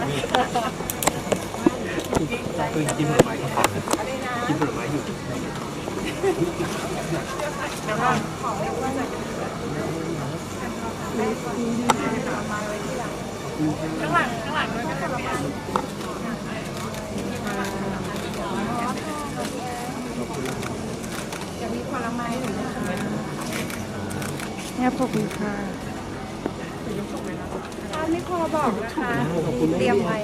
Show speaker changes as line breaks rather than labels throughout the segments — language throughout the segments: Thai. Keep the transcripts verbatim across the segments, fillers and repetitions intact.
คือกินผลไม้ก็พอกินผลไม้อยู่
ข้างหลังข้างหลังด้วยก็จะมาจะมีผลไม้หรือ
เนี่ยขอบคุณค่ะ
ถ้าไม่พอบอกนะคะเตรียมไว้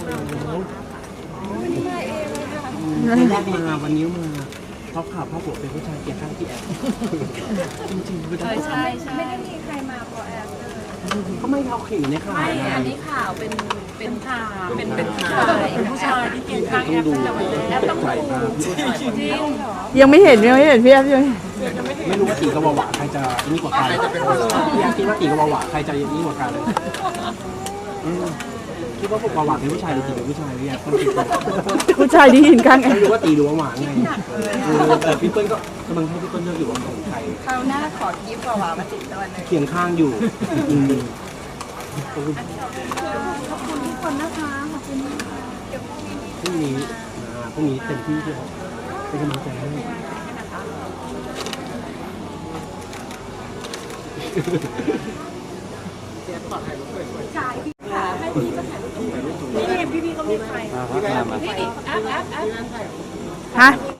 วันนี้มาเองเลยค่ะ
วันแรกมาวันนี้มาเพราะข่าวพ่อผัวเป็นผู้ชายเกลียดข้างที่แอบจริงๆไม่ได้
ใช่ใช่ไม่ได้มีใครมาพอแอบเลย
เขาไม่เขาขิงในข่าว
ไม่อันนี้ข่าวเป็นเป็นข่าวเป็นเป็นข่าวเป็นผู้ชายที่เกลียดข้างแอบแต่วันแอบต้องดูจริงเหรอ
ยังไม่เห็นยังไม่เห็นพี่แอฟยัง
ไม่รู้ว่าตีกับวาวาใครจะนี่กว่ากันพี่แอฟคิดว่าตีกับวาวาใครจะนี่กว่ากันคิดว่าพวกวาวาเป็นผู้ชายหรือตีเป็นผู้ชายพี่แอฟต้องคิดว่า
ผู้ชายที่ยืนข้างแอ
ไม่
ฟ
รู้ว่าตีหรือวาวาไงแต่พี่เปิ้ลก็กำลังให้พี่เปิ้ลเลือกอยู่ว่าของใคร
คราวหน้าขอกิฟต์กว่ามาติดตัวเลย
เคียงข้างอยู่อืม
ขอบคุณทุกคนนะคะขอบคุณเดี๋ยวพรุ่งนี้
พรุ่งนี้พรุ่งนี้เต็มที่ที่เป็นกำลังใจให้
จ่ายพี่ค่ะให้พี่ก็ถ่ายรูปนี่พี่พี่ก็มีใครพี่แอฟแอฟแอฟ
ฮะ